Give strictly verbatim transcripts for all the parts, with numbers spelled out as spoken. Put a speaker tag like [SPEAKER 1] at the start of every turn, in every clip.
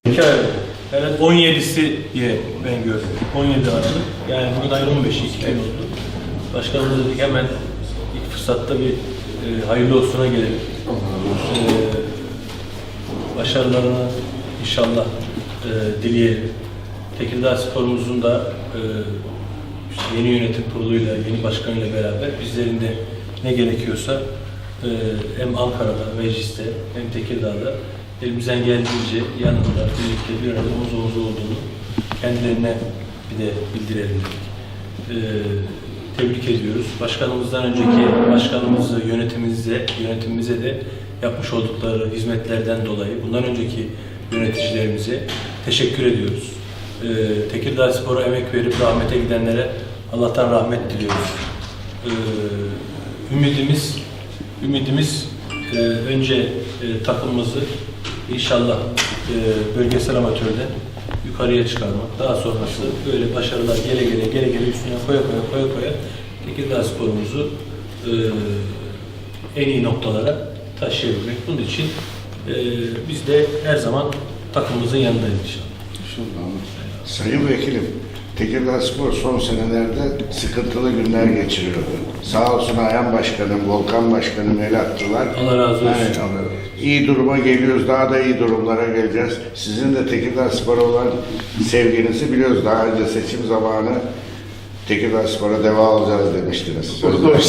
[SPEAKER 1] İki ay oldu. Evet, on yedisi diye ben gördüm. on yedi Aralık. Yani bugün ayın on beşi, iki gün oldu. Başkanımız dedik hemen ilk fırsatta bir e, hayırlı olsuna gelelim. E, başarılarını inşallah e, dileyelim. Tekirdağ Spor'umuzun da e, işte yeni yönetim kuruluyla, yeni başkanıyla beraber bizlerin de ne gerekiyorsa e, hem Ankara'da, mecliste hem Tekirdağ'da elimizden geldiğince yanında birlikte bir arada omuz omuz olduğunu kendilerine bir de bildirelim. E, tebrik ediyoruz. Başkanımızdan önceki başkanımızı, yönetimimize, yönetimimize de yapmış oldukları hizmetlerden dolayı bundan önceki yöneticilerimize teşekkür ediyoruz. Ee, Tekirdağ Spor'a emek verip rahmete gidenlere Allah'tan rahmet diliyoruz. Ee, ümidimiz, ümidimiz e, önce e, takımımızı inşallah e, bölgesel amatörden yukarıya çıkarmak, daha sonrası böyle başarılar gele gele gele gele üstüne koya koya koya koya Tekirdağ Spor'umuzu e, en iyi noktalara taşıyabilmek. Bunun için e, biz de her zaman takımımızın yanındayız inşallah.
[SPEAKER 2] Sayın Vekilim, Tekirdağ Spor son senelerde sıkıntılı günler geçiriyordu. Sağ olsun Ayhan Başkanım, Volkan Başkanım el attılar.
[SPEAKER 1] Allah razı olsun.
[SPEAKER 2] Evet, iyi duruma geliyoruz, daha da iyi durumlara geleceğiz. Sizin de Tekirdağ Spor'a olan sevginizi biliyoruz. Daha önce seçim zamanı Tekirdağ Spor'a deva alacağız demiştiniz.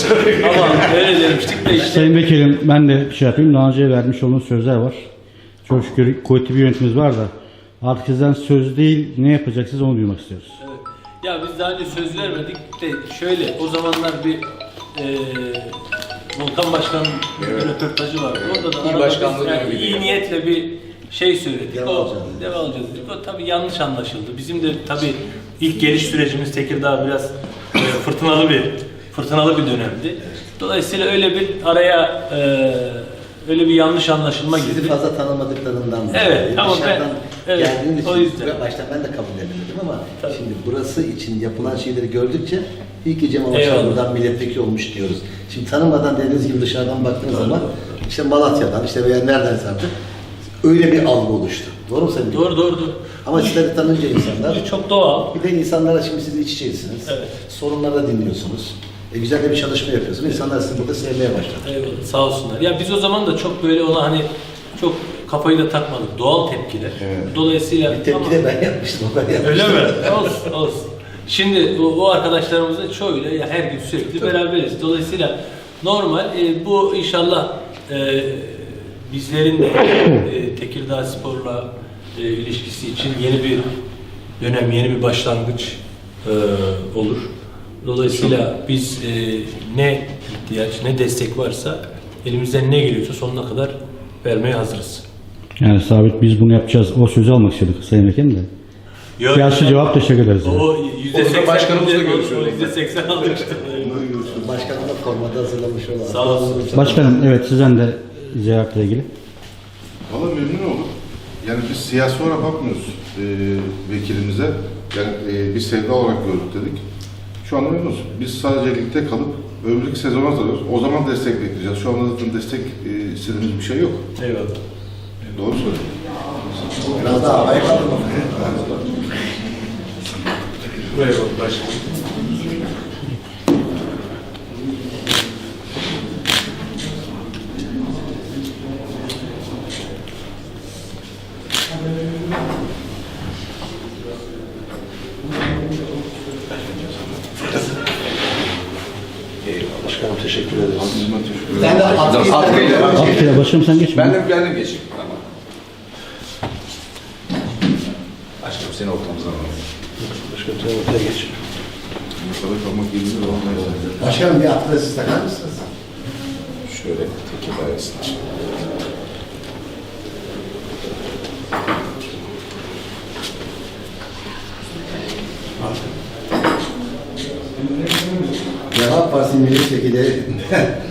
[SPEAKER 1] Ama öyle demiştik de işte.
[SPEAKER 3] Sayın Vekilim, ben de bir şey yapayım. Daha önce vermiş olduğunuz sözler var. Çok şükür kuvvetli bir yönetimimiz var da artık sizden söz değil, ne yapacaksınız onu duymak istiyoruz.
[SPEAKER 1] Evet. Ya biz daha önce söz vermedik de şöyle, o zamanlar bir e, Volkan Başkan'ın evet. bir röportajı vardı. Orada da
[SPEAKER 4] İyi başkanlığı
[SPEAKER 1] yani iyi
[SPEAKER 4] yani.
[SPEAKER 1] niyetle bir şey söyledik.
[SPEAKER 5] Deva
[SPEAKER 1] o
[SPEAKER 5] alacağız.
[SPEAKER 1] deva alacağız dedik. O tabii yanlış anlaşıldı. Bizim de tabii ilk geliş sürecimiz Tekirdağ biraz e, fırtınalı bir fırtınalı bir dönemdi. Dolayısıyla öyle bir araya e, öyle bir yanlış anlaşılma girdi.
[SPEAKER 5] Sizi fazla tanımadıklarından
[SPEAKER 1] Evet, tamam ben evet,
[SPEAKER 5] geldiğiniz
[SPEAKER 1] o
[SPEAKER 5] için
[SPEAKER 1] yüzden.
[SPEAKER 5] başta ben de kabul edemedim ama
[SPEAKER 1] Tabii.
[SPEAKER 5] şimdi burası için yapılan şeyleri gördükçe iyi ki Cemal
[SPEAKER 1] Eyvallah.
[SPEAKER 5] Başkan buradan milletvekili olmuş diyoruz. Şimdi tanımadan dediğiniz gibi dışarıdan baktığınız
[SPEAKER 1] Doğru,
[SPEAKER 5] zaman
[SPEAKER 1] doğru.
[SPEAKER 5] işte Malatya'dan işte veya nereden artık öyle bir algı oluştu. Doğru mu Sayın?
[SPEAKER 1] Doğru doğru doğru.
[SPEAKER 5] Ama sizleri tanınca insanlar
[SPEAKER 1] Çok doğal.
[SPEAKER 5] bir de insanlara şimdi siz iç içeysiniz.
[SPEAKER 1] Evet.
[SPEAKER 5] Sorunları da dinliyorsunuz. E, güzel de bir çalışma yapıyorsunuz. İnsanlar sizi burada sevmeye başladı.
[SPEAKER 1] Eyvallah, sağ olsunlar. Ya biz o zaman da çok böyle ona hani çok kafayı da takmadık. Doğal tepkiler.
[SPEAKER 2] Evet.
[SPEAKER 1] Dolayısıyla
[SPEAKER 5] Bir tepki de ben yapmıştım. O ben
[SPEAKER 1] öyle
[SPEAKER 5] yapmıştım.
[SPEAKER 1] mi? Olsun, olsun. Şimdi o, o arkadaşlarımızın çoğuyla ya her gün sürekli beraberiz. Dolayısıyla normal e, bu inşallah e, bizlerin de e, Tekirdağ Spor'la e, ilişkisi için yeni bir dönem, yeni bir başlangıç e, olur. Dolayısıyla biz e, ne ihtiyaç, ne destek varsa elimizden ne geliyorsa sonuna kadar vermeye hazırız.
[SPEAKER 3] Yani sabit biz bunu yapacağız. O sözü almak istedik Sayın Vekilim de.
[SPEAKER 1] Yok,
[SPEAKER 3] Siyasi cevap teşekkür ederiz. yani.
[SPEAKER 1] O yüzde seksen
[SPEAKER 4] başkanımızla görüşüyoruz.
[SPEAKER 1] yüzde seksen aldık işte.
[SPEAKER 5] Başkanım da formada hazırlamış olan.
[SPEAKER 1] Sağ olsun.
[SPEAKER 3] Başkanım, evet sizden de ziyaretle ilgili.
[SPEAKER 6] Valla memnun olduk. Yani biz siyasi olarak bakmıyoruz e, vekilimize. Yani e, bir sevda olarak gördük dedik. Şu anda memnunuz. Biz sadece ligde kalıp öbürlük sezona hazırlıyoruz. O zaman destek bekleyeceğiz. Şu anda zaten destek e, istediğimiz bir şey yok.
[SPEAKER 1] Eyvallah.
[SPEAKER 6] Doğru söylüyorsun.
[SPEAKER 5] Biraz daha havaya kaldırmak.
[SPEAKER 4] Buraya bak başkanım.
[SPEAKER 5] Başkanım teşekkür ederim.
[SPEAKER 6] Ben teşekkür ederim.
[SPEAKER 5] Ben de atkıyı
[SPEAKER 4] Atkıyla.
[SPEAKER 3] Atkıyla başkanım sen geç.
[SPEAKER 4] Ben de ben de geçeyim. Tamam. Başkanım seni ortamıza alalım.
[SPEAKER 5] Başkanım sen ortaya geç.
[SPEAKER 6] Burada kalmak yerinde olmayız.
[SPEAKER 5] Başkanım bir atkıyla siz takar mısınız?
[SPEAKER 4] Şöyle Tekirdağ arasında.
[SPEAKER 5] Deva Partisi milletvekili